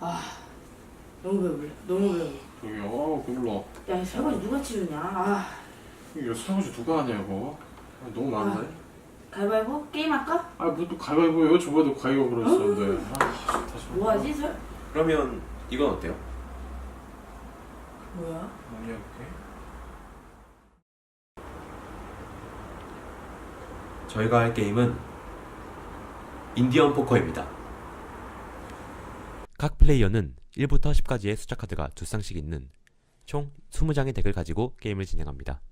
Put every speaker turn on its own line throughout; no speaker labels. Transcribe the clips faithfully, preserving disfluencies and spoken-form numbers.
아 너무 배불러. 너무 배불러.
저기요, 어, 배불러.
야 설거지 누가 치우냐. 아
이거 설거지 누가 하냐고. 아, 너무 많은데?
아, 가위바위보? 게임할까?
아, 뭐 또 가위바위보예요? 저번에도 가위바위보로 했었는데. 아, 다시
뭐하지? 설...
그러면 이건 어때요?
뭐야?
뭐냐, 그게?
저희가 할 게임은 인디언 포커입니다.
각 플레이어는 일부터 십까지의 숫자 카드가 두 쌍씩 있는 총 이십 장의 덱을 가지고 게임을 진행합니다.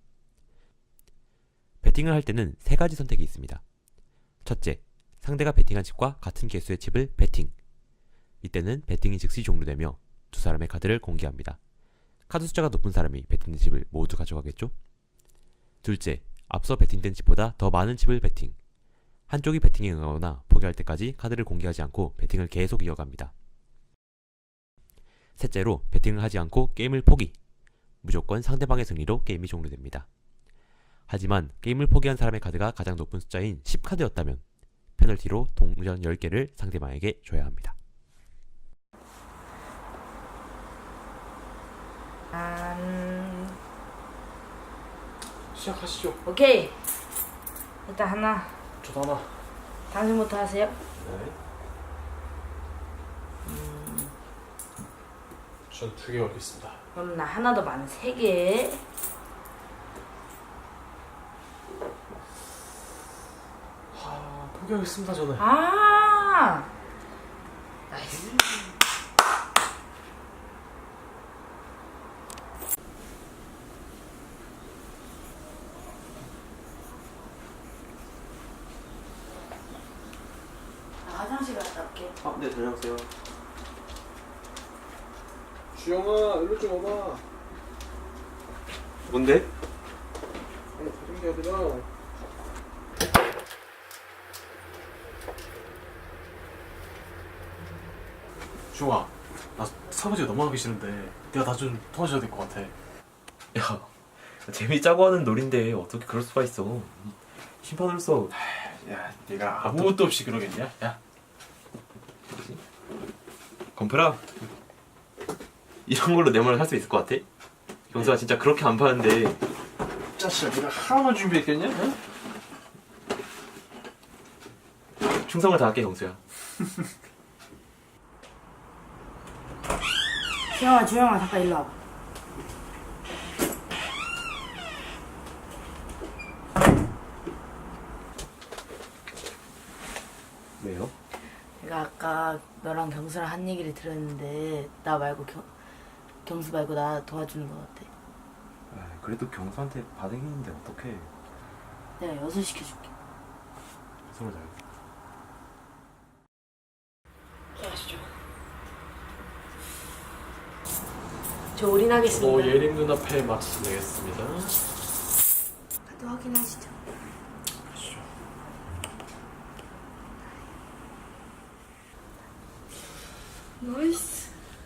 배팅을 할 때는 세 가지 선택이 있습니다. 첫째, 상대가 배팅한 칩과 같은 개수의 칩을 배팅. 이때는 배팅이 즉시 종료되며 두 사람의 카드를 공개합니다. 카드 숫자가 높은 사람이 배팅된 칩을 모두 가져가겠죠? 둘째, 앞서 배팅된 칩보다 더 많은 칩을 배팅. 한쪽이 배팅에 응하거나 포기할 때까지 카드를 공개하지 않고 배팅을 계속 이어갑니다. 셋째로, 배팅을 하지 않고 게임을 포기. 무조건 상대방의 승리로 게임이 종료됩니다. 하지만 게임을 포기한 사람의 카드가 가장 높은 숫자인 십 카드였다면 페널티로 동전 열 개를 상대방에게 줘야 합니다.
음...
시작하시죠.
오케이. 일단 하나.
저도 하나.
당신부터 하세요.
네. 음... 전 두 개 걸겠습니다.
그럼 나 하나 더 많은 세 개.
하, 포기하겠습니다, 저는.
아 나이스. 나 화장실 갔다 올게.
아, 네, 다녀오세요.
주영아, 일로 좀 와봐.
뭔데?
아니, 다른 게 아니라. 주영아, 나 설거지가 너무 하기 싫은데 내가 나 좀 도와줘야 될 것 같아.
야, 재미짜고 하는 놀인데 어떻게 그럴 수가 있어? 심판으로서
야, 네가 아무것도 없이 그러겠냐? 야,
건프라 이런 걸로 내 말을 할 수 있을 것 같아? 경수가 진짜 그렇게 안 파는데
짜식아, 네가 하나만 준비했겠냐? 응?
충성을 다할게, 경수야.
주영아 주영아 잠깐 일로 와봐.
왜요?
내가 아까 너랑 경수랑 한 얘기를 들었는데 나 말고 경, 경수 말고 나 도와주는 거 어때?
그래도 경수한테 반응했는데 어떡해.
내가 여섯 시켜줄게.
서로 잘.
가시죠. 저 올인하겠습니다.
뭐 예림 눈 앞에 맞춰서 내겠습니다.
카드 확인하시죠.
가시죠.
나이스.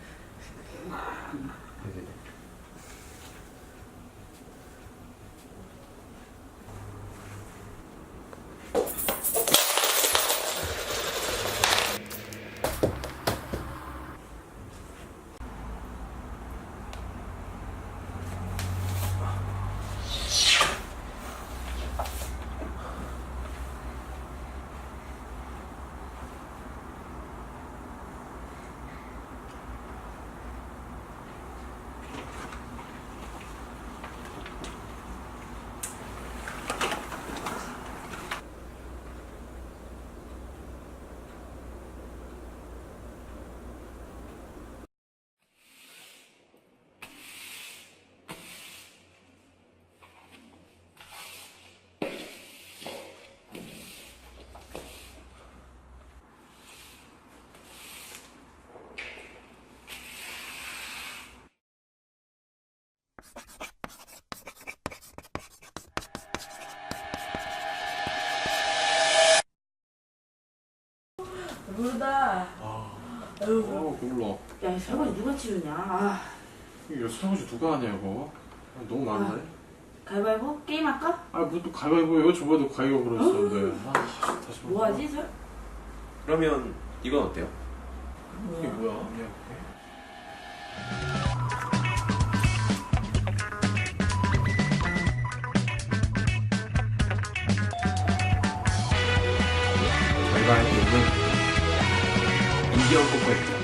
모르다.
아,
아유.
어, 배불러.
야 설거지 누가 치우냐. 아
이거 설거지 누가 하냐고. 아, 너무 많은데?
가위바위보? 게임할까?
아, 뭐 또 가위바위보예요? 저번에도 가위바위보로 했었는데. 아, 다시
뭐하지? 설...
그러면 이건 어때요?
이게 뭐야?
저희가 알고 있는 인디언 코코입니다.